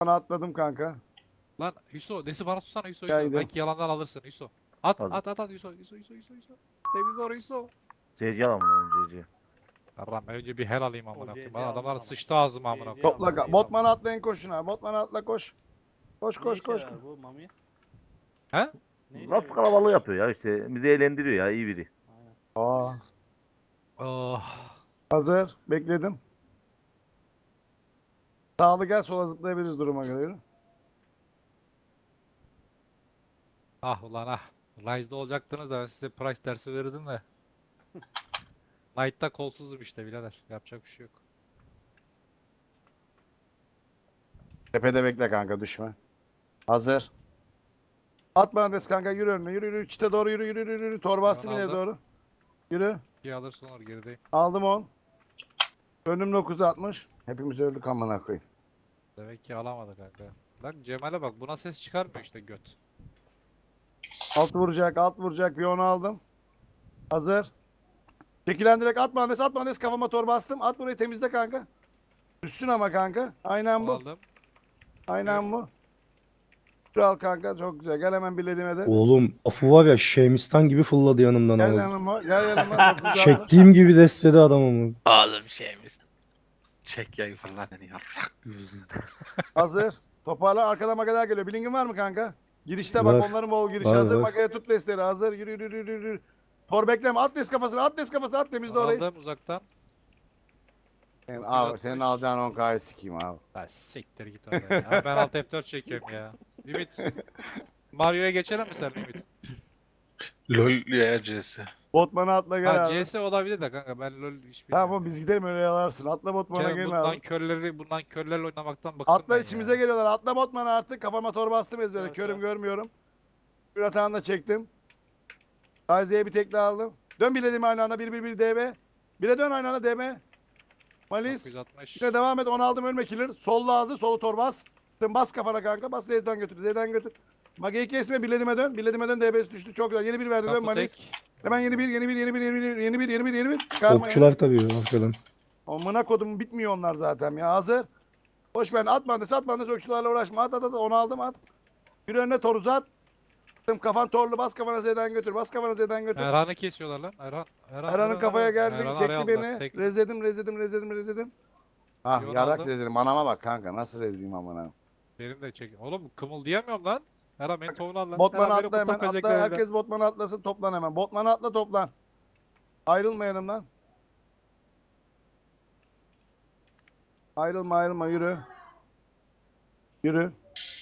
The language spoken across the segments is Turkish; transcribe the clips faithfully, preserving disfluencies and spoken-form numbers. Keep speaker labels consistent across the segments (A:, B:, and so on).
A: Bana atladım kanka.
B: Lan Hüso, desi bana tutsana Hüso Hüso.
A: Geldim.
B: Belki yalandan alırsın Hüso. At
C: Hazır.
B: at at at Hüso Hüso Hüso Hüso Hüso. Temizle orayı Hüso.
C: C C alalım onu C C.
B: Yarram ben önce bir hel alayım amına
D: O
B: koyayım.
D: C C
B: Bana adamlar
D: aldım
B: sıçtı ağzıma amına
D: C C
B: koyayım.
A: Topla.
D: aldım,
A: ka-
D: iyi
A: Botman'a
D: aldım.
A: atlayın koşun ha. Botman'a atla koş. Koş
D: Ne
A: koş
D: işe
A: koş.
D: yarar bu Mami?
B: He?
D: Ne işe
C: Laf
D: yarar?
C: kalabalığı yapıyor ya işte. Bizi eğlendiriyor ya, iyi biri.
D: Aynen.
A: Aa.
B: Oh.
A: Hazır. Bekledim. Sağlı gel, sola zıplayabiliriz duruma göre. Yürü.
B: Ah ulan ah. Rise'da olacaktınız da ben size price dersi verirdim de. Knight'ta kolsuzum işte birader. Yapacak bir şey yok.
A: Tepede bekle kanka, düşme. Hazır. At bana des kanka, yürü önüne, yürü yürü. Çite doğru yürü yürü yürü. yürü. Torba bastım ileri
B: aldım.
A: doğru. Yürü.
B: İyi alırsın olur gerideyim.
A: Aldım on. Önüm dokuz altmış. Hepimiz öldük amına koyayım.
B: Demek ki alamadı kanka. Lan Cemal'e bak buna ses çıkarmıyor işte göt.
A: Alt vuracak, alt vuracak. Bir onu aldım. Hazır. Çekilen direkt at bandes, at bandes, kafama torba bastım. At burayı, temizle kanka. Düşsün ama kanka. Aynen
B: Onu
A: bu.
B: aldım.
A: Aynen bu. Kral kanka, çok güzel. Gel hemen birlediğime de.
E: Oğlum Afu var ya Şemistan gibi fırladı yanımdan
A: Gel
E: ama.
A: yanıma. Gel yanıma. dokuz altı.
E: Çektiğim gibi destedi adamımı.
F: Oğlum şeyimiz. Çek yayı falan hani yarrak yüzün.
A: Hazır. Toparla. Arkadan magalar geliyor. Bilingin var mı kanka? Girişte
E: Var.
A: bak, onların bol girişi
E: Var,
A: hazır.
E: var.
A: Magaya tut destleri hazır. Yürü yürü yürü yürü. Tor bekleme. At des kafasına. At des kafasına. At, temizle
B: Onu
A: orayı.
B: aldım uzaktan.
A: Senin,
B: dokuz
A: abi,
B: altmış.
A: senin alacağın on K'yı sikeyim abi.
B: Ha siktir git oraya. Ya ben alt F dört çekiyorum ya. Ümit. Mario'ya geçelim mi sen Ümit?
F: LOL ya C S.
A: Botman'a atla gel
B: Ha
A: abi.
B: C S olabilir de kanka ben LoL hiç
A: Tamam
B: bilmiyorum.
A: oğlum, biz gidelim öyle yalarsın. Atla Botman'a
B: Kerem,
A: gel
B: bundan
A: abi.
B: körleri, bundan körlerle oynamaktan bıktım
A: Atla,
B: ben
A: içimize
B: ya.
A: geliyorlar. Atla Botman'a artık. Kafama torba bastım ezbere.
D: Evet,
A: Körüm
D: evet.
A: görmüyorum. Bir atağını da çektim. Taziye'ye bir tekle aldım. Dön bilediğim aynı anda. bir bir bir D B. Bire dön aynı anda D B. Malis.
B: dokuz yüz altmış.
A: Yine devam et. Onu aldım, ölme killer. Solla hazır. Solu tor bas. Bas kafana kanka. Bas Z'den götür. Z'den götür. Mage'yi kesme. Bilediğime dön. Bilediğime dön. D B'si düştü. Çok güzel. Yeni bir verdi. Dön
B: Kapı
A: Malis.
B: tek.
A: Hemen yeni bir, yeni bir, yeni bir, yeni bir, yeni bir, yeni bir, yeni bir. Çıkarma ya.
E: Okçular tabii arkadan.
A: Amına kodum, bitmiyor onlar zaten ya. Hazır. Hoş ben at bandı, at bandı, okçularla uğraşma. At at at. Onu aldım, at. Bir önüne tor uzat. Kafan torlu, bas kafana Z'den götür. Bas kafana Z'den götür.
B: Erhan'ı kesiyorlar lan. Erhan. Erhan.
A: Erhan'ın kafaya
B: Erhan.
A: geldi.
B: Erhan'ı
A: Çekti
B: araya
A: beni.
B: aldılar. Tek.
A: Rezledim, rezledim, rezledim, rezledim. Ah,
B: Yolu
A: yarak
B: aldım.
A: rezledim. Anama bak kanka. Nasıl rezleyeyim amına.
B: Benim de çek. Oğlum kımıldayamıyorum lan. Erhan beni tohunu al lan.
A: Botman'a
B: Erhan beni
A: atla hemen.
B: kurtar
A: Atla.
B: pezeklerinden.
A: Herkes Botman'a atlasın. Toplan hemen. Botman'a atla, toplan. Ayrılma yanımdan. Ayrılma ayrılma, yürü. Yürü.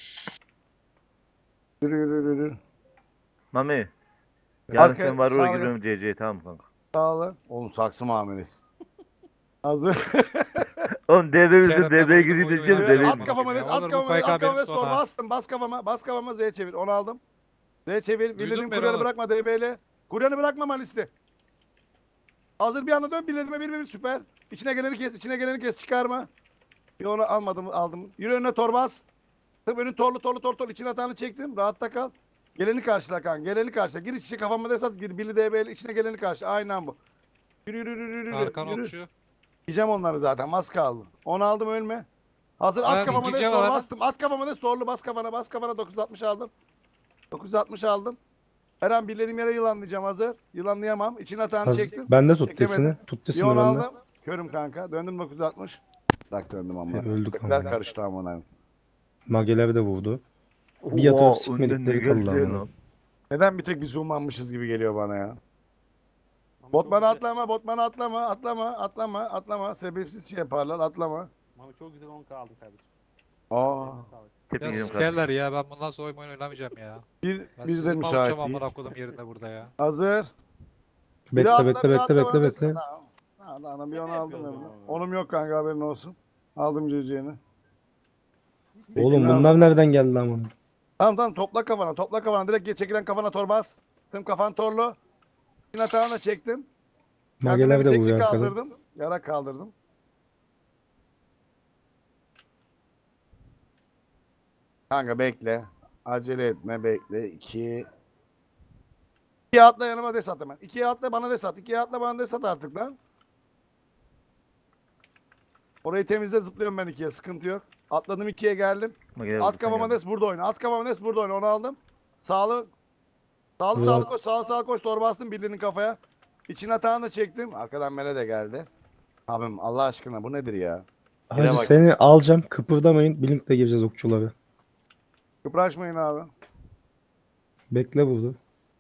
A: Yürü yürü yürü. yürü.
C: Mami. Yarın
A: Arka-
C: sen var
A: sağa
C: oraya
A: gel.
C: gidiyorum C C'ye, tamam mı kanka?
A: Sağlı. Oğlum saksı muamelesi. Hazır.
C: Oğlum D B bizim
B: Kerem, ben
C: D B'ye
B: oyunu
C: gireyim
B: oyunu
C: diyeceğim.
B: oynamam.
C: D B'ye
A: At kafama
B: Ya
A: des,
B: olur
A: at
B: bu
A: kafama des,
B: K K
A: at kafama
B: benim
A: des, tor
B: sonra.
A: bastım, bas kafama, bas kafama, Z çevir, onu aldım. Z çevir,
B: Duydun
A: bildiğim
B: beni
A: kuryanı
B: oğlum.
A: bırakma D B'yle. Kuryanı bırakma Malis'te. Hazır, bir anda dön, bildiğime bir bir süper. İçine geleni kes, içine geleni kes, çıkarma. Bir onu almadım, aldım. Yürü önüne tor bas. Tabii önün torlu, torlu, torlu, torlu. İçine atağını çektim, rahatta kal. Geleni karşıla kanka, geleni karşıla. Gir içi kafama des at, gir, Billy D B'yle içine geleni karşıla. Aynen bu. Yürü, yürü, yürü, yürü,
B: Arkan
A: yürü.
B: okçu.
A: Yiyeceğim onları zaten. Az kaldı. Onu aldım, ölme. Hazır,
B: Ben
A: at kafama
B: ikinci
A: des, tor
B: var.
A: bastım. At kafama des, torlu bas kafana, bas kafana. dokuz altmış aldım. dokuz altmış aldım. Her an bildiğim yere yılanlayacağım, hazır. Yılanlayamam. İçine atağını
E: Haz-
A: çektim.
E: Ben de tut
A: Çekemedim.
E: desini. Tut
A: Bir
E: desini
A: onu
E: ben de.
A: aldım. Körüm kanka. Döndüm dokuz altmış. Bırak döndüm ama.
E: E, öldük
A: Kökler
E: ama.
A: karıştı amına.
E: Mageler de vurdu. Bir
C: Oha,
E: yatırıp
C: önden
E: sikmedikleri
C: ne
E: kaldı
C: geldi
E: ama.
C: lan?
A: Neden bir tek biz zoomlanmışız gibi geliyor bana ya.
D: Mami
A: Botman'a
D: çok güzel-
A: atlama, Botman'a atlama, atlama, atlama, atlama. Sebepsiz şey yaparlar, atlama.
D: Mami çok güzel on K aldın kardeşim.
A: Aa,
D: Eline sağlık.
C: Tepki
B: Ya
C: yedim kardeşim.
B: sikerler ya ben bundan sonra oyun oynamayacağım ya.
A: bir,
B: Ben
A: biz de
B: sizi
A: müsait
B: mavçam
A: değil.
B: amına kodum yerinde burada ya.
A: Hazır. Biri
E: Bekle
A: atla,
E: bekle
A: biri
E: bekle
A: atla,
E: bekle
A: bana desene.
E: bekle.
A: Tamam. Tamam, tamam, bir
D: Şaka
A: onu aldım
D: yapıyorsun
A: ben.
D: ama.
A: Onum yok kanka, haberin olsun. Aldım cüzdanı.
E: Oğlum
A: Bekle,
E: bunlar nereden geldi ama?
A: Tamam tamam, topla kafana, topla kafana. Direkt geç, çekilen kafana tor bas. Tüm kafan torlu. Yine atağını da çektim. Kendime
E: Mageler
A: bir
E: de
A: tekli
E: vuruyor arkadan.
A: kaldırdım. Yara kaldırdım. Kanka bekle. Acele etme, bekle. İki. İkiye atla, yanıma des at hemen. İkiye atla, bana des at. İkiye atla, bana des at artık lan. Orayı temizle, zıplıyorum ben ikiye. Sıkıntı yok. Atladım ikiye geldim.
C: Mageler
A: At
C: vurdu, sen
A: kafama
C: geldin.
A: Nes burada oyna. At kafama Nes burada oyna. Onu aldım. Sağlı. Sağlı
E: Ulan.
A: sağlı koş. Sağlı sağlı koş. Torba bastım birliğinin kafaya. İçin atağını da çektim. Arkadan Mele de geldi. Abim Allah aşkına bu nedir ya? Yine
E: Hacı
A: bak.
E: seni alacağım. Kıpırdamayın. Blink'le gireceğiz okçuları.
A: Kıpraşmayın abi.
E: Bekle burada.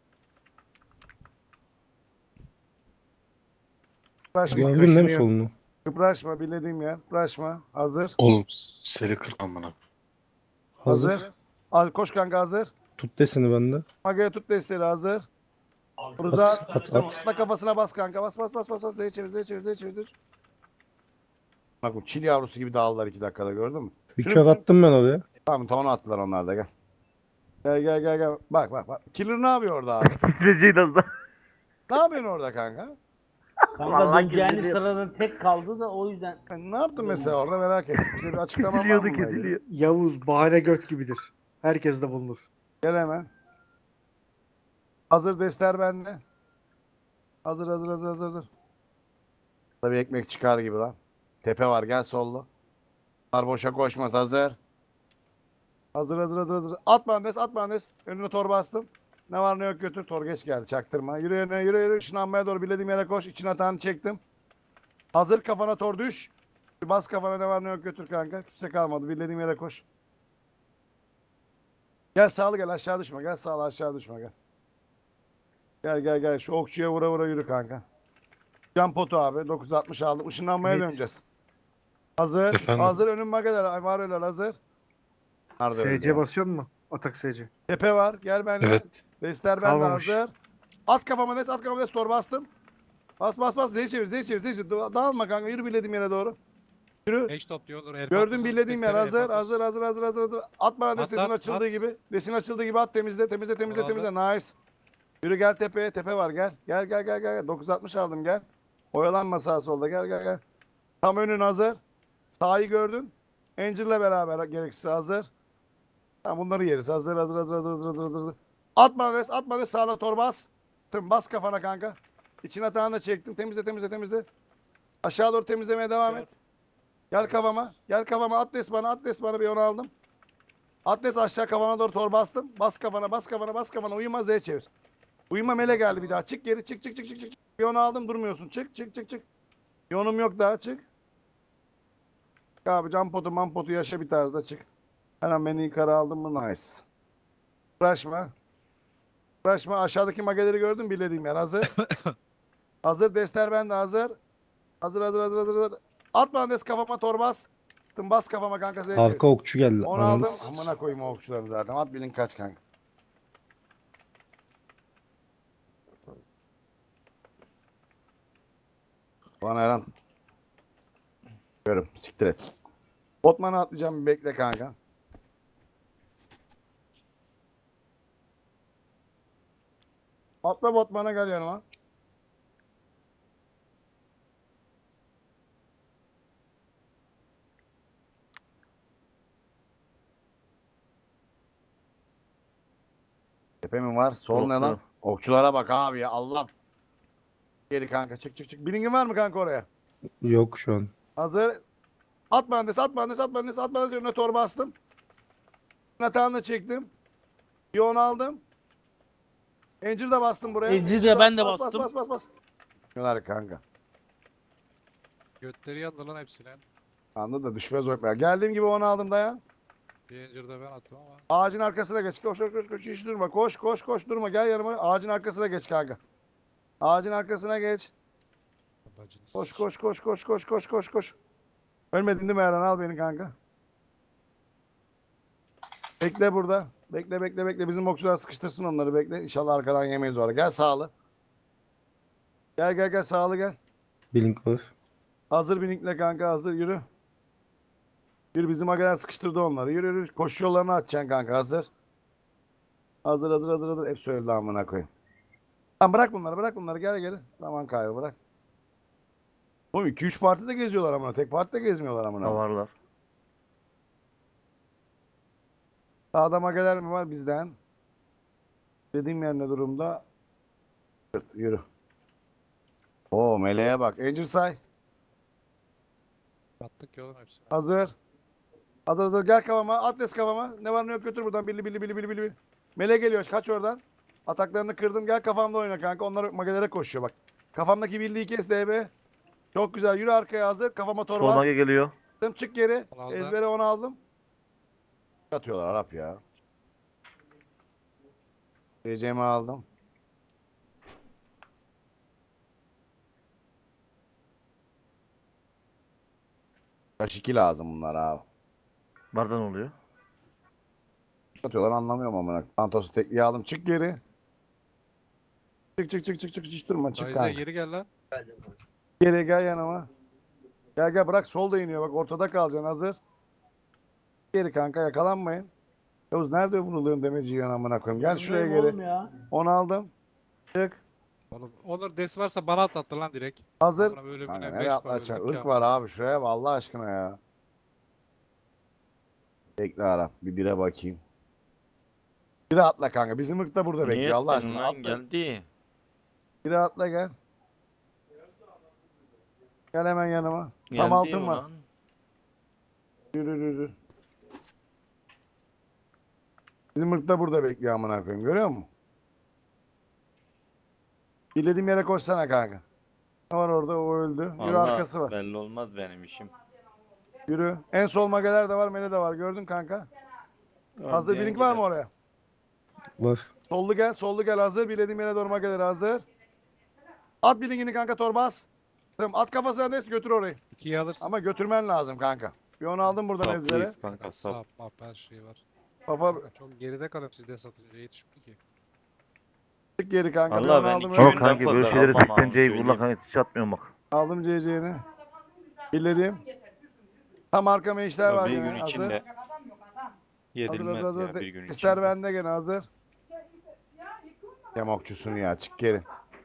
A: Kıpraşma.
E: Gördün değil mi
F: kaşınıyor.
E: solunu?
A: Kıpraşma. Bilediğim yer. Kıpraşma. Hazır.
F: Oğlum seri kır amına.
E: Hazır.
A: Hazır. Al, koş kanka hazır.
E: Tut desini bende.
A: Magaya tut desteği hazır. Ruza
E: At, at, at.
A: atla kafasına bas kanka. Bas bas bas bas bas. Z'ye çevir Z'ye çevir Z'ye çevir. Z'ye çevir. Bak bu çil yavrusu gibi dağıldılar iki dakikada gördün mü?
E: Bir
A: Şunu-
E: kör attım ben oraya.
A: Tamam tamam attılar onlar da gel. Gel gel gel gel. Bak bak bak. Killer ne yapıyor orada abi?
C: Kesileceğiydi az daha.
A: Ne yapıyorsun orada kanka?
G: Kanka
C: Vallahi
G: döneceğini
C: kesiliyor.
G: sırada tek kaldı da o yüzden.
A: Yani ne yaptın mesela orada merak ettim. Bize bir açıklama var mı?
C: Kesiliyordu
A: bununla ilgili?
C: kesiliyor.
H: Yavuz bahane göt gibidir. Herkes de bulunur.
A: Gel hemen. Hazır destler bende. Hazır hazır hazır hazır hazır. Tabii ekmek çıkar gibi lan. Tepe var gel sollu. Bunlar boşa koşmaz hazır. Hazır hazır hazır hazır. At bandes at bandes. Önüne tor bastım. Ne var ne yok götür. Tor geç geldi çaktırma. Yürü yürü yürü yürü. Işınlanmaya doğru bilediğim yere koş. İçine atağını çektim. Hazır kafana tor düş. Bas kafana ne var ne yok götür kanka. Kimse kalmadı. Bilediğim yere koş. Gel sağlı gel aşağı düşme. Gel sağlı aşağı düşme gel. Gel gel gel. Şu okçuya vura vura yürü kanka. Can potu abi. dokuz yüz altmış aldım. Işınlanmaya
H: Evet.
A: döneceğiz. Hazır.
F: Efendim?
A: Hazır. Önüm mageler. Ay var öyle hazır. Nerede öyle
H: S C
A: ya?
H: basıyor mu? Atak S C.
A: Tepe var. Gel benimle.
F: Evet.
A: Destler bende
H: Kalmamış.
A: hazır. At kafama des. At kafama des. Tor bastım. Bas bas bas. Z çevir. Z çevir. Z çevir. Da- Dağılma kanka. Yürü bilediğim yere doğru. Yürü.
B: Eş topluyordur. el
A: Gördüm
B: patlasın,
A: bilediğim yer.
B: testere, el
A: Hazır.
B: patlasın.
A: Hazır. Hazır. Hazır. Hazır. Hazır. At bana des.
B: At,
A: Desin
B: at,
A: açıldığı
B: at.
A: gibi. Desin açıldığı gibi at. Temizle. Temizle. Temizle.
B: Bravo.
A: Temizle. Nice. Yürü gel tepeye. Tepe var. Gel. Gel gel gel gel. dokuz yüz altmış aldım gel. Oyalanma sağa solda. Gel gel gel. Tam önün hazır. Sağı gördün. Angel'la beraber gerekirse hazır. Tamam bunları yeriz. Hazır hazır hazır hazır hazır hazır hazır. Atma des. Atma des. Sağla tor bas. Tım bas kafana kanka. İçine atağını da çektim. Temizle temizle temizle. Aşağı doğru temizlemeye devam et. Gel kafama. Gel kafama. At des bana. At des bana bir onu aldım. At des aşağı kafana doğru tor bastım. Bas kafana bas kafana bas kafana. Uyuma Z çevir. Uyuma mele geldi bir daha. Çık geri çık çık çık çık çık. Bir onu aldım durmuyorsun. Çık çık çık çık. Yonum yok daha çık. Abi cam potu man potu yaşa bir tarzda çık. Hemen beni yukarı aldım mı nice. Uğraşma. Uğraşma aşağıdaki mageleri gördün mü bilediğim yer hazır. Hazır destler bende hazır. Hazır hazır hazır hazır. hazır. At bana des kafama torbas. Tım bas kafama kanka zeyçi.
E: Arka okçu geldi.
A: Onu
E: Ananı
A: aldım. Amına koyayım o okçularını zaten. At bilin kaç kanka. Bana Eren. Görüm. Siktir et. Botman'a atlayacağım bir bekle kanka. Atla Botman'a gel yanıma. Tepe mi var? Sol ne lan?
C: Okçu.
A: Okçulara bak abi ya Allah. Geri kanka çık çık çık. Bilingin var mı kanka oraya?
E: yok şu an.
A: Hazır. At mühendis, at mühendis, at mühendis, at mühendis. Önüne torba bastım. Natağını çektim. Bir onu aldım. Angel de bastım buraya.
G: Angel'i de
A: Bas,
G: ben de
A: bas,
G: bastım.
A: Bas bas bas bas. Şunlar kanka.
B: Götleri yandı lan hepsine.
A: Anladın da düşmez o ekmek. Geldiğim gibi onu aldım dayan.
B: Bir incirde ben attım ama.
A: Ağacın arkasına geç. Koş koş koş koş. Hiç durma. Koş koş koş durma. Gel yanıma. Ağacın arkasına geç kanka. Ağacın arkasına geç.
B: Bacınız.
A: Koş koş koş koş koş koş koş koş. Ölmedin değil mi Eren? Al beni kanka. Bekle burada. Bekle bekle bekle. Bizim okçular sıkıştırsın onları bekle. İnşallah arkadan yemeyiz orada. Gel sağlı. Gel gel gel sağlı gel.
E: Blink var.
A: Hazır binikle kanka hazır yürü. Yürü bizim agalar sıkıştırdı onları. Yürü yürü. Koşu yollarını açacaksın kanka hazır. Hazır hazır hazır hazır. Hep söyledi amına koyayım. Tamam bırak bunları bırak bunları gel geri. Zaman kaybı bırak. Oğlum iki üç partide geziyorlar amına. Tek partide gezmiyorlar amına.
C: Davarlar.
A: Sağda mageler mi var bizden? Dediğim yer ne durumda? Yürü. Yürü. Oo meleğe bak. Angel say.
B: Attık ya oğlum hepsine.
A: Hazır. Hazır hazır gel kafama. Atlas kafama. Ne var ne yok götür buradan. Billi billi billi billi billi. Mele geliyor. Kaç oradan. Ataklarını kırdım. Gel kafamda oyna kanka. Onlar magelere koşuyor bak. Kafamdaki bildiği kes D B. Çok güzel. Yürü arkaya hazır. Kafama
C: Sol
A: torbas.
C: mage geliyor.
A: Çık geri.
B: Onu aldım.
A: Ezbere onu aldım. Atıyorlar Arap ya. C C'mi aldım. Kaç iki lazım bunlar abi.
C: Bardan oluyor.
A: Atıyorlar anlamıyorum amına. Pantos'u tekliğe aldım. Çık geri. Çık çık çık çık çık hiç durma çık
B: Ryze'e
A: kanka.
B: geri gel lan.
A: Geri gel yanıma. Gel gel bırak solda iniyor bak ortada kalacaksın hazır. Geri kanka yakalanmayın. Yavuz nerede vuruluyorsun demeci yiyorsun amına koyayım. Gel şuraya
G: Bilmiyorum
A: geri.
G: oğlum ya.
A: Onu aldım. Çık.
B: Oğlum Onur des varsa bana atlattı lan direkt.
A: Hazır.
B: Amına böyle
A: Kanka
B: bir
A: nereye
B: beş var,
A: atlatacaksın?
B: öldük
A: Irk
B: ya.
A: var abi şuraya bak Allah aşkına ya. Bekle Arap bir bire bakayım. Bire atla kanka. Bizim ırk da burada
F: Niye
A: bekliyor Allah
F: ettin
A: aşkına.
F: lan
A: Atla.
F: geldi.
A: Bire atla gel. Gel hemen yanıma. Tam
F: Geldi
A: altın var.
F: ulan.
A: Yürü yürü yürü. Bizim ırk da burada bekliyor amına koyayım. Görüyor musun? Bildiğim yere koşsana kanka. Ne var orada? O öldü. Yürü
F: Vallahi
A: arkası var.
F: belli olmaz benim işim.
A: Yürü. En sol mageler de var, mele de var. Gördün kanka. Hazır
F: Ördeğin
A: blink var mı
F: gider.
A: oraya?
E: Var.
A: Sollu gel, sollu gel hazır. Bilediğim yere doğru mageler hazır. At blinkini kanka torbas. Tamam, at kafasına des götür orayı.
B: ikiyi alırsın.
A: Ama götürmen lazım kanka. Bir onu aldım buradan ezbere.
F: Saplıyız kanka
B: Kanka
F: sap.
B: sap map her şey var.
A: Kafa
B: Kanka çok geride kalıyorum siz de satınca yetişmiyor ki.
A: çık geri kanka. Bir
F: Allah
A: onu
F: ben
A: aldım.
F: iki
A: öyle.
C: Ama kanki
F: fazla
C: böyle şeyleri
F: almam
C: seksen
F: abi,
C: C'yi kullan
F: söyleyeyim.
C: kanka hiç atmıyorum bak.
A: Aldım C C'ni. Bilediğim. Tam arkama işler var
F: Bir
A: gene.
F: gün
A: Hazır.
F: içinde
A: Hazır
F: Yenilmez
A: hazır hazır.
F: ya bir gün
A: İster
F: içinde.
A: bende gene hazır. Yamokçusun ya çık geri.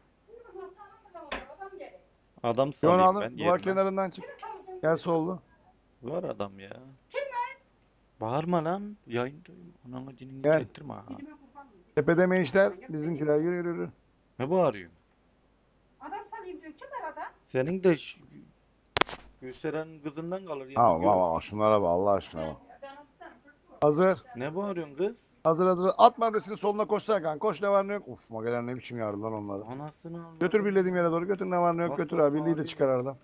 F: Adam
A: Bir onu
F: salayım
A: aldım.
F: ben
A: Duvar
F: yerime.
A: kenarından çık. Gel sollu.
F: Var adam ya. Bağırma lan. Yayındayım. Ananı dinini
A: Gel.
F: çektirme ha.
A: Tepede meyişler. Bizimkiler yürü yürü yürü.
F: Ne bağırıyorsun?
I: Adam salayım diyor. Kim var adam?
F: Senin de ş- Gülseren kızından kalır ya.
A: Ha
F: bir
A: bak
F: gör.
A: bak şunlara bak Allah aşkına bak. Hazır.
F: Ne bağırıyorsun kız?
A: Hazır hazır. At mandesinin soluna koşsana kanka. Koş ne var ne yok. Uf mageler ne biçim yardı lan onları.
F: Anasını al.
A: Götür bildiğim yere doğru. Götür ne var ne yok.
F: Bak,
A: Götür
F: bak,
A: abi. Birliği de
F: abi.
A: çıkar aradan.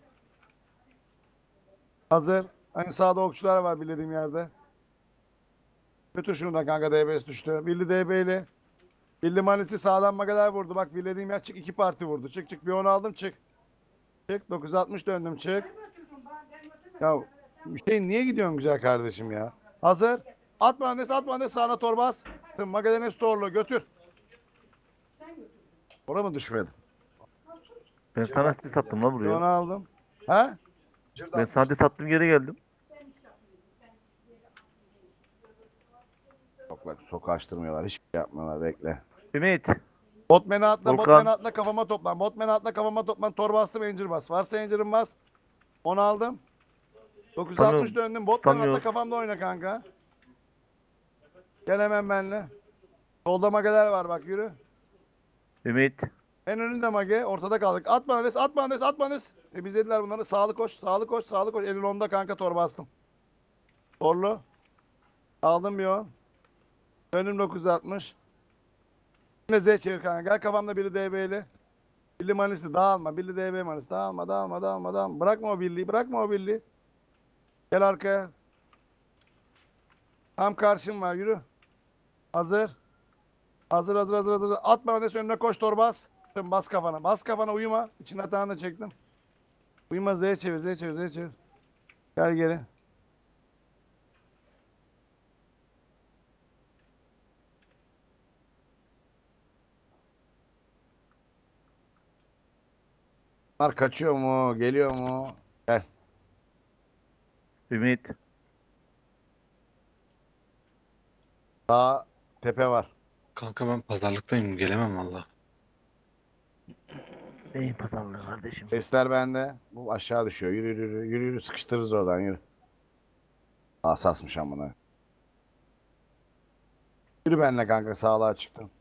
A: Hazır. Hani sağda okçular var bildiğim yerde. Götür şunu da kanka D B'si düştü. Bildi D B ile. Bildi Manisi sağdan mageler vurdu. Bak bildiğim yer çık. iki parti vurdu. Çık çık. Bir onu aldım çık. Çık. dokuz altmış döndüm çık. Ya Hüseyin niye gidiyorsun güzel kardeşim ya? Hazır. At mühendis at mühendis sağına torbas. Tüm magelerin hepsi torlu. Götür. Oraya mı düşmedi?
C: Ben sana site sattım lan
A: Bir onu
C: buraya.
A: aldım. Ha?
C: Ben sana site sattım geri geldim.
A: Yok lan sokağa açtırmıyorlar. Hiçbir şey yapmıyorlar. Bekle.
C: Ümit.
A: Botman'ı atla,
C: Volkan.
A: Botman'ı atla kafama toplan. Botman'ı atla kafama toplan. Torba astım, Angel bas. Varsa Angel'ın bas. Onu aldım. dokuz altmış
C: Tutamıyorum.
A: döndüm. Botman'ı atla
C: Tutamıyoruz.
A: kafamda oyna kanka. Gel hemen benimle. Solda mageler var bak yürü.
C: Ümit.
A: En önünde mage. Ortada kaldık. At mühendis, at mühendis, at mühendis. Temizlediler bunları. Sağlı koş, sağlı koş, sağlı koş. Elin onda kanka torba astım. Torlu. Aldım bir on. Döndüm dokuz altmış. Yine Z çevir kanka. Gel kafamda biri D B'li. Birli manisi dağılma. Birli D B manisi dağılma, dağılma, dağılma, dağılma. Bırakma o birliği, bırakma o birliği. Gel arkaya. Tam karşım var yürü. Hazır. Hazır hazır hazır hazır. At mühendis önüne koş torbas. Bas kafana. Bas kafana uyuma. İçin atağını da çektim. Uyuma Z çevir Z çevir Z çevir. Gel geri. Bunlar kaçıyor mu? Geliyor mu? Gel.
C: Ümit.
A: Sağ tepe var.
F: Kanka ben pazarlıktayım gelemem valla.
C: Neyin pazarlığı kardeşim?
A: Sesler bende. Bu aşağı düşüyor. Yürü yürü yürü. Yürü yürü sıkıştırırız oradan yürü. Asasmış amına. Yürü benimle kanka sağlığa çıktım.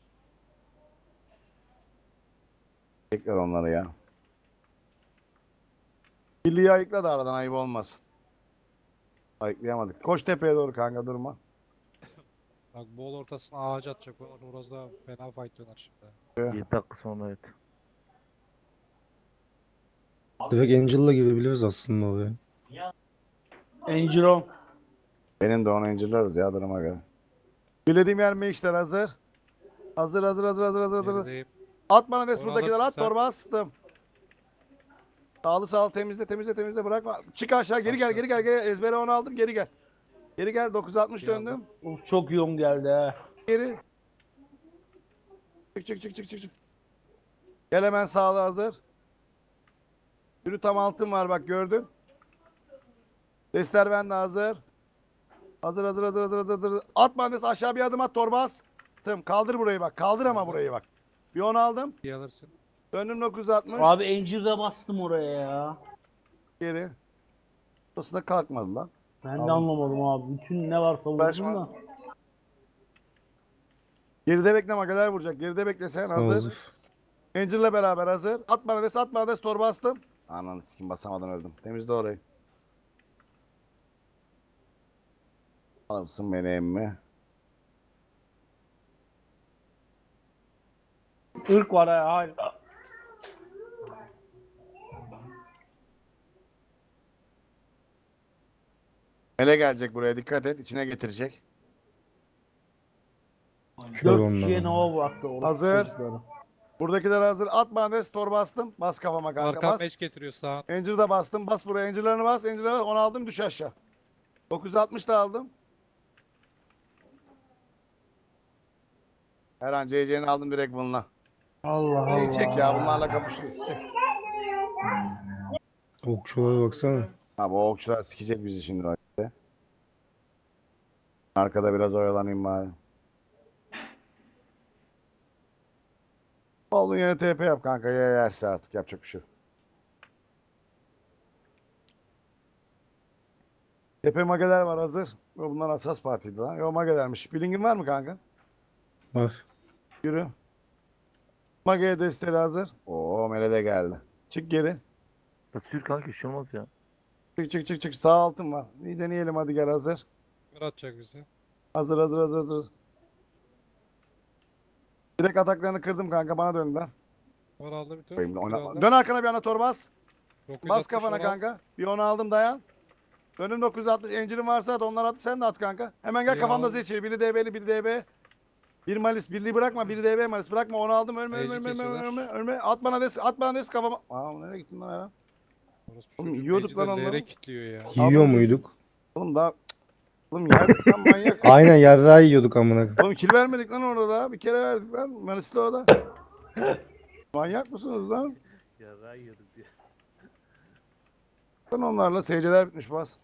A: Tekrar onları ya. Birliği ayıkla da aradan ayıp olmasın. Ayıklayamadık. Koş tepeye doğru kanka durma.
B: Bak bol ortasına ağaç atacak. Orası da fena fight döner şimdi.
C: yedi dakika sonra evet.
E: Direkt Angel'la girebiliriz aslında oraya.
G: Angelo.
A: Benim de onu inceleruz ya duruma göre. Bilediğim yer mi işler hazır. Hazır hazır hazır hazır hazır hazır.
B: Gerideyim.
A: At bana des
B: Onu
A: buradakiler
B: alırsın
A: at
B: sen.
A: torba astım. Sağlı sağlı temizle temizle temizle bırakma. Çık aşağı geri gel geri gel geri ezbere onu aldım geri gel. Geri gel dokuz altmış
B: Bir aldım.
A: döndüm.
G: Of, çok yoğun geldi ha.
A: Geri. Çık çık çık çık çık. çık. Gel hemen sağlı hazır. Yürü tam altın var bak gördün. Destler bende hazır. Hazır hazır hazır hazır hazır. hazır. At bandesi aşağı bir adım at torbas. Tamam kaldır burayı bak. Kaldır ama burayı bak. Bir onu aldım.
B: Bir alırsın.
A: Döndüm dokuz altmış.
G: Abi Angel'da bastım oraya ya.
A: Geri. Burası da kalkmadı lan.
G: Ben de
A: Aldım.
G: anlamadım abi. Bütün ne varsa vurdum
A: Uğraşma.
G: da.
A: Geride bekle Magaler vuracak. Geride bekle sen hazır.
E: Hazır.
A: Angel'la beraber hazır. At bana des at bana des torba bastım. Ananı sikim basamadan öldüm. Temizle orayı. Alırsın beni emmi.
G: Irk var ha. Hayır.
A: Mele gelecek buraya dikkat et. İçine getirecek.
E: Kör
G: Dört kişiye
E: ondan.
G: Nova bıraktı. orası
A: Hazır.
G: çocukları.
A: Buradakiler hazır. At bana des torba bastım. Bas kafama kanka
B: Arkan
A: bas.
B: meç getiriyor sağ.
A: Angel da bastım. Bas buraya. Angel'larını bas. Angel'larını bas. Onu aldım düş aşağı. dokuz altmış da aldım. Her an C C'ni aldım direkt bununla.
G: Allah Allah.
A: İyi çek ya bunlarla kapışırız. Çek.
E: Okçulara baksana.
A: Ha bu okçular sikecek bizi şimdi. bak işte. Arkada biraz oyalanayım bari. Olduğun yere T P yap kanka. Ya yerse artık yapacak bir şey yok. Tepe mageler var hazır. Yo, bunlar asas partiydi lan. Yo magelermiş. Bilingin var mı kanka?
E: Var.
A: Yürü. Mage'ye desteri hazır. Oo Mele de geldi. Çık geri.
C: Ya sür kanka bir şey olmaz ya.
A: Çık çık çık çık. Sağ altın var. İyi deneyelim hadi gel hazır.
B: Kör atacak bize.
A: Hazır hazır hazır hazır. Direkt ataklarını kırdım kanka bana döndüler.
B: Or aldı bir tur.
A: Koyayım,
B: Bir
A: oyna-
B: aldı.
A: Dön arkana bir ana torbas.
B: dokuz yüz
A: Bas
B: altmış
A: kafana
B: or al.
A: kanka. Bir onu aldım dayan. Dönüm dokuz yüz altmış. Encirin varsa at onlar at. Sen de at kanka. Hemen gel
B: İyi
A: kafamda
B: aldım.
A: seçil. Biri D B'li biri D B. Bir malis. Birliği bırakma. Biri D B malis. Bırakma onu aldım. Ölme ölme
B: Mecik
A: ölme ölme
B: kesiyorlar.
A: ölme. ölme. At bana des. At bana des kafama. Aa nereye gittin lan Eren?
B: Orası
A: Oğlum,
B: çocuğu
A: yiyorduk
B: meci
A: lan
B: de
A: onları.
B: L'ye kilitliyor ya.
E: Yiyor
A: Aldım.
E: muyduk?
A: Oğlum daha. Oğlum yerdik lan manyak.
E: Aynen yarrağı yiyorduk amına.
A: Oğlum kill vermedik lan orada da. Bir kere verdik lan. Malisli o da. Manyak mısınız lan?
C: Ya yiyorduk diye.
A: Lan onlarla seyirciler bitmiş bas.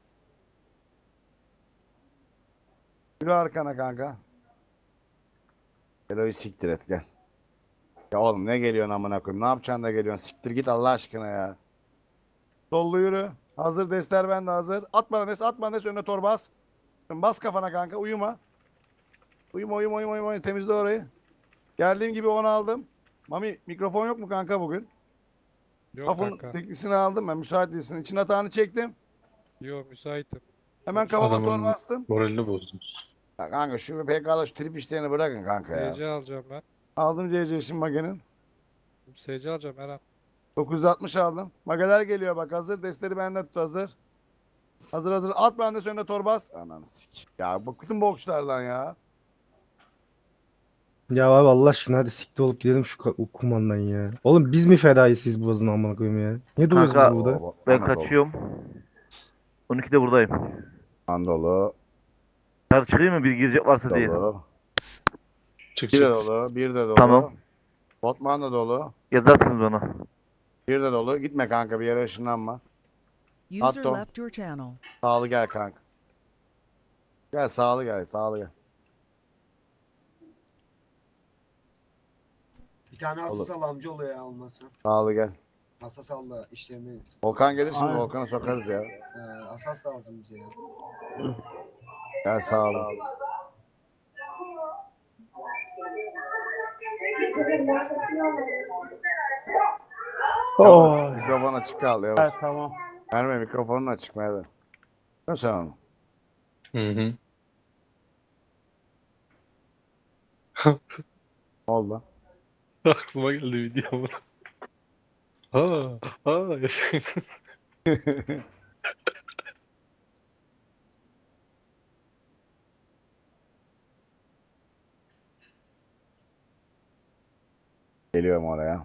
A: Yürü arkana kanka. Elo'yu siktir et gel. Ya oğlum ne geliyorsun amına koyayım? Ne yapacaksın da geliyorsun? Siktir git Allah aşkına ya. Sollu yürü. Hazır destler bende hazır. At bana des, at bana des önüne tor bas. Bas kafana kanka uyuma. Uyuma uyuma uyuma uyuma temizle orayı. Geldiğim gibi onu aldım. Mami mikrofon yok mu kanka bugün?
B: Yok
A: Kafın
B: kanka.
A: teklisini aldım ben müsait değilsin. İçin atağını çektim.
B: Yok müsaitim.
A: Hemen kafama
E: Adamın-
A: tor bastım.
E: Moralini bozdunuz.
A: Ya kanka şu P K'da şu trip işlerini bırakın kanka ya.
B: S C alacağım ben.
A: Aldım C C şimdi Mage'nin.
B: S C alacağım Eren.
A: dokuz yüz altmış aldım. Mageler geliyor bak hazır. Destleri bende tut hazır. Hazır hazır. At bende önüne torbas. Ananı sik. Ya bıktım bu okçulardan ya.
E: Ya abi Allah aşkına hadi siktir olup gidelim şu ka- kumandan ya. Oğlum biz mi fedayız siz boğazın amına koyayım ya? Niye duruyoruz
C: Kanka,
E: biz burada?
A: Oo,
C: Ben
A: Anadolu.
C: kaçıyorum. on ikide buradayım.
A: Anadolu.
C: Dışarı çıkayım mı bir girecek varsa diye.
A: Dolu.
E: Çık
A: Bir de dolu. Bir de dolu.
C: Tamam.
A: Botman da dolu.
C: Yazarsınız bana.
A: Bir de dolu. Gitme kanka bir yere ışınlanma.
J: User
A: Attım.
J: left your channel.
A: Sağlı gel kanka. Gel sağlı gel. Sağlı gel.
K: Bir tane
A: Olur.
K: asas al amcaoğlu ya olmasa.
A: Sağlı gel.
K: Asas al da işlerini.
A: Volkan gelir şimdi
G: Aynen.
A: Volkan'ı sokarız ya.
K: Ee, asas lazım bize ya.
A: Gel sağlı.
G: Oh.
A: Mikrofon açık kaldı
G: Evet,
A: Yavuz.
G: tamam.
A: Merve mikrofonun açık Merve. Nasıl sen onu?
F: Hı hı.
A: Ne oldu?
F: Aklıma geldi video. Ha, ha.
A: Geliyorum oraya.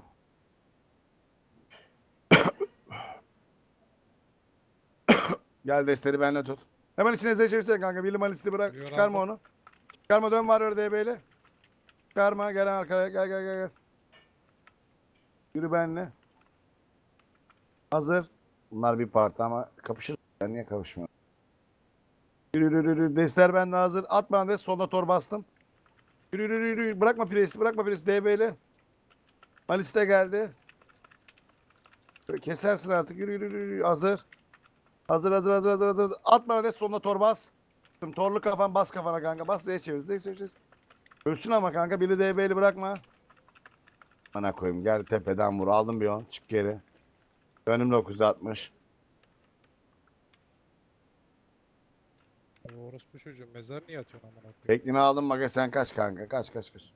A: Gel destleri benimle tut. Hemen içine Z çevirsene kanka. Billy Malis'i bırak.
B: Biliyorum
A: Çıkarma
B: abi.
A: onu. Çıkarma, dön var öyle D B'yle. Çıkarma, gel arkaya, gel gel gel gel. Yürü benimle. Hazır. Bunlar bir parti ama kapışır. Ben niye kapışmıyorum? Yürü yürü yürü. Destler bende hazır. At bana des. Solda tor bastım. Yürü yürü yürü. yürü. Bırakma presi. Bırakma presi. D B'yle. Malis de geldi. Kesersin artık. Yürü yürü yürü. yürü. Hazır. Hazır hazır hazır hazır hazır. At bana des. Solda tor bas. Torlu kafan bas kafana kanka. Bas Z'ye çevir. Z'ye çevir. Ölsün ama kanka. Biri D B'li bırakma. Bana koyayım. Gel tepeden vur. Aldım bir on. Çık geri. Dönüm dokuz yüz altmış.
B: O orospu çocuğu mezar niye atıyorsun amına koyayım?
A: Teklini aldım Maga, sen kaç kanka. Kaç kaç kaç.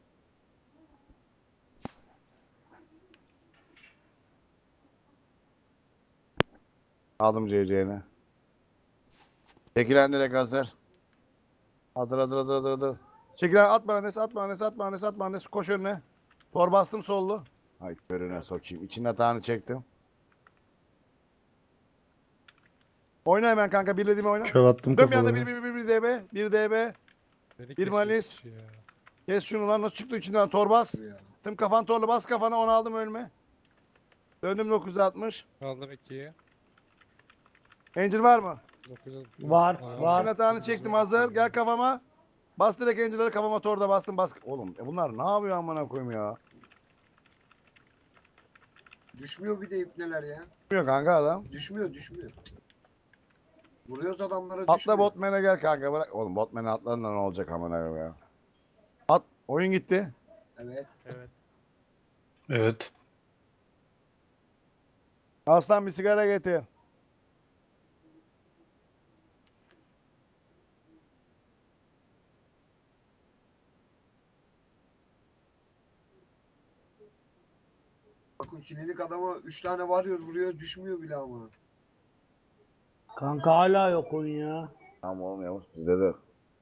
A: Aldım C C'ni. Çekilen direkt hazır. Hazır hazır hazır hazır hazır. Çekilen at bana nes at bana nes at bana nes at bana nes. Koş önüne. Tor bastım sollu. Ay körüne sokayım. İçinin atağını çektim. Oyna hemen kanka. Birlediğimi oyna.
E: Kör attım
A: Dön bir anda
E: kafalarına.
A: bir bir bir bir D B. Bir D B.
B: Beni
A: Bir
B: kesiyor
A: Malis.
B: kişi ya.
A: Kes şunu lan. Nasıl çıktı içinden? Tor bas.
K: Ya.
A: Tım kafan torlu bas kafana. Onu aldım ölme. Döndüm dokuz yüz altmış.
B: Kaldım ikiye.
A: Angel var mı?
B: dokuz yüz-
G: Var,
B: Aa,
G: var.
A: Ben atağını çektim hazır. Gel kafama. Bas direkt Angel'ları kafama torda bastım. Bas. Oğlum e bunlar ne yapıyor amına koyayım ya?
K: Düşmüyor bir de ipneler ya.
A: Bilmiyor kanka adam.
K: Düşmüyor düşmüyor. Vuruyoruz adamlara
A: Atla
K: düşmüyor.
A: botman'e gel kanka bırak. Oğlum botman'e atladın da ne olacak amına koyayım ya? At. Oyun gitti.
K: Evet.
D: Evet.
F: Evet.
A: Aslan bir sigara getir.
K: Bakın çilelik adama üç tane varıyor vuruyor düşmüyor bile amına.
G: Kanka hala yok oyun ya.
A: Tamam oğlum Yavuz bizde de.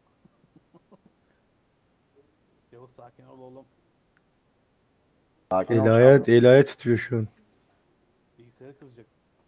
D: Yavuz sakin ol oğlum.
A: Sakin ol.
E: El ayağı, el ayağı titriyor şu an.
D: Bilgisayarı kızacak.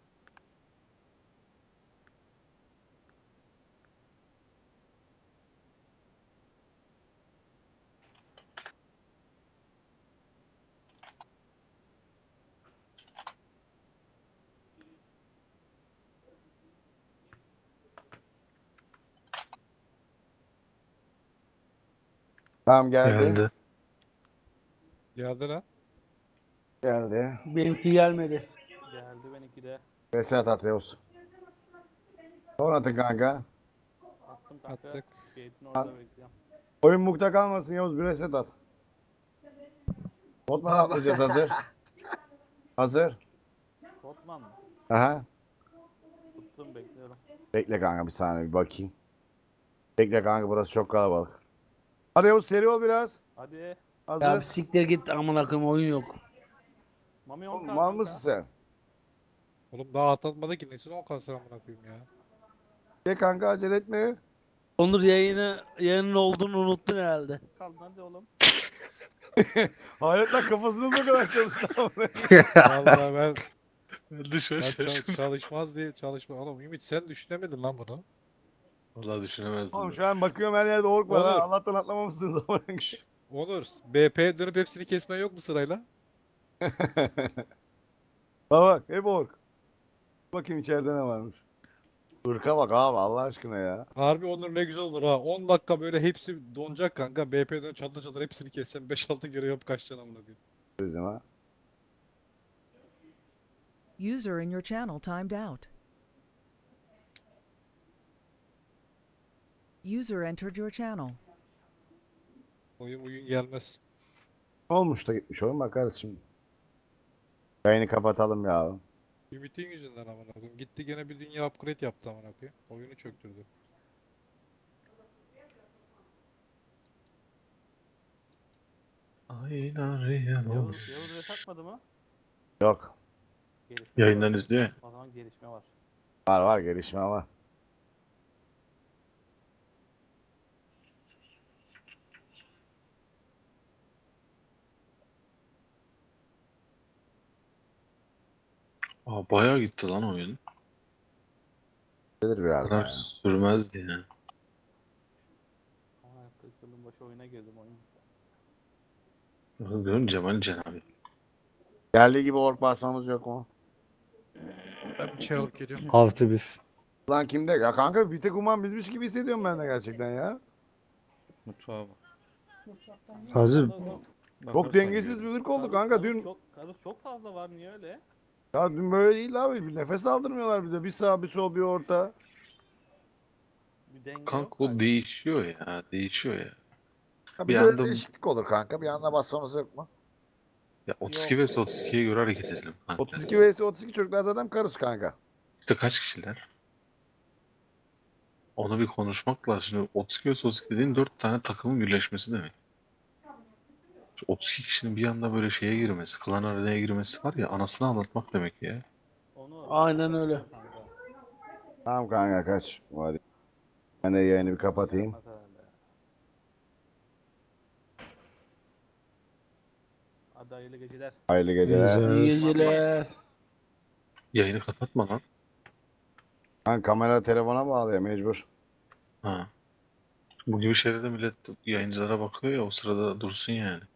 A: Tamam geldi.
F: Geldi.
B: Geldi lan.
A: Geldi.
G: Benimki gelmedi.
D: Geldi benimki de.
A: Reset at Yavuz. Son atın kanka.
D: Attım kanka.
B: Attık.
D: Gate'in orada bekliyorum.
A: Oyun mukta kalmasın Yavuz bir reset at. Botman atlayacağız hazır. Hazır.
D: Botman mı?
A: Aha.
D: Tuttum bekliyorum.
A: Bekle kanka bir saniye bir bakayım. Bekle kanka burası çok kalabalık. Hadi Yavuz seri ol biraz.
D: Hadi.
A: Hazır.
G: Ya bir siktir git amına koyayım oyun yok.
D: Mami
A: Oğlum,
D: on
A: mal mısın sen?
B: Oğlum daha atlatmadı ki. Nesine on kanser amına koyayım ya.
A: Gel kanka acele etme.
G: Onur yayını yayının olduğunu unuttun herhalde.
D: Kaldın hadi oğlum.
A: Hayret lan kafasınız o kadar çalıştı.
B: Vallahi ben,
F: Dışarı
B: ben çal- çalışmaz diye çalışma. Oğlum Ümit sen düşünemedin lan bunu.
F: Vallahi düşünemezdim.
A: Oğlum
F: ben.
A: şu an bakıyorum her yerde ork var ha.
B: Olur.
A: Allah'tan atlamamışsınız ama.
B: Onur, B P'ye dönüp hepsini kesmen yok mu sırayla?
A: Bak bak hep ork. Bakayım içeride ne varmış. Irka bak abi Allah aşkına ya.
B: Harbi Onur ne güzel olur ha. on dakika böyle hepsi donacak kanka. B P'ye dön çatır çatır hepsini kessen beş altı kere yap kaçacaksın amına koyayım.
A: Bizim ha.
J: User in your channel timed out. User entered your channel.
B: Oyun oyun gelmez.
A: Ne olmuş da gitmiş oyun bakarız şimdi. Yayını kapatalım ya.
B: Ümit'in yüzünden amına koyayım. Gitti gene bir dünya upgrade yaptı amına koyayım. Oyunu çöktürdü.
D: Yavuz, Yavuz res atmadı mı?
A: Yok.
D: Gelişme
F: Yayından
D: var.
F: izliyor ya.
D: O zaman gelişme var.
A: Var var gelişme var.
F: Aa, bayağı gitti lan oyun.
A: Gelir
F: Bu
A: biraz
F: kadar
A: daha.
F: sürmezdi ya.
D: Ama kırk yılın başı oyuna girdim oyun.
F: Bakın görün Cemal Cenab-ı.
A: Geldiği gibi ork basmamız yok mu?
B: Ben bir çay alıp geliyorum.
E: Artı bir.
A: Lan kimde? Ya kanka bir tek uman bizmiş gibi hissediyorum ben de gerçekten ya.
F: Mutfağa bak.
E: Sadece
A: Çok dengesiz bir ırk oldu kanka
D: Karus
A: dün.
D: Çok, karus çok fazla var, niye öyle?
A: Ya dün böyle değil abi. Bir nefes aldırmıyorlar bize. Bir sağ bir sol bir orta.
D: Bir denge
F: Kanka
D: yok
F: o
D: galiba.
F: değişiyor ya. Değişiyor ya.
A: Ya
F: Bir
A: bize de
F: anda-
A: değişiklik olur kanka. Bir anda basmamız yok mu?
F: Ya otuz iki ve otuz ikiye göre hareket edelim. kanka.
A: otuz iki vs otuz iki çocuklar zaten karus kanka.
F: İşte kaç kişiler? Onu bir konuşmak lazım. Şimdi otuz iki ve otuz iki dediğin dört tane takımın birleşmesi demek. Şu otuz iki kişinin bir anda böyle şeye girmesi, klan arenaya girmesi var ya, anasını anlatmak demek ya.
D: Onu
G: Aynen öyle.
D: kanka.
A: Tamam kanka kaç. Hadi. Ben de yayını bir kapatayım.
D: Yapmaz herhalde. Hadi hayırlı geceler.
A: Hayırlı geceler.
E: Güzel.
G: İyi geceler.
F: Yayını kapatma lan.
A: Ben kamera telefona bağlı ya mecbur.
F: Ha. Bu gibi şeylerde millet yayıncılara bakıyor ya, o sırada dursun yani.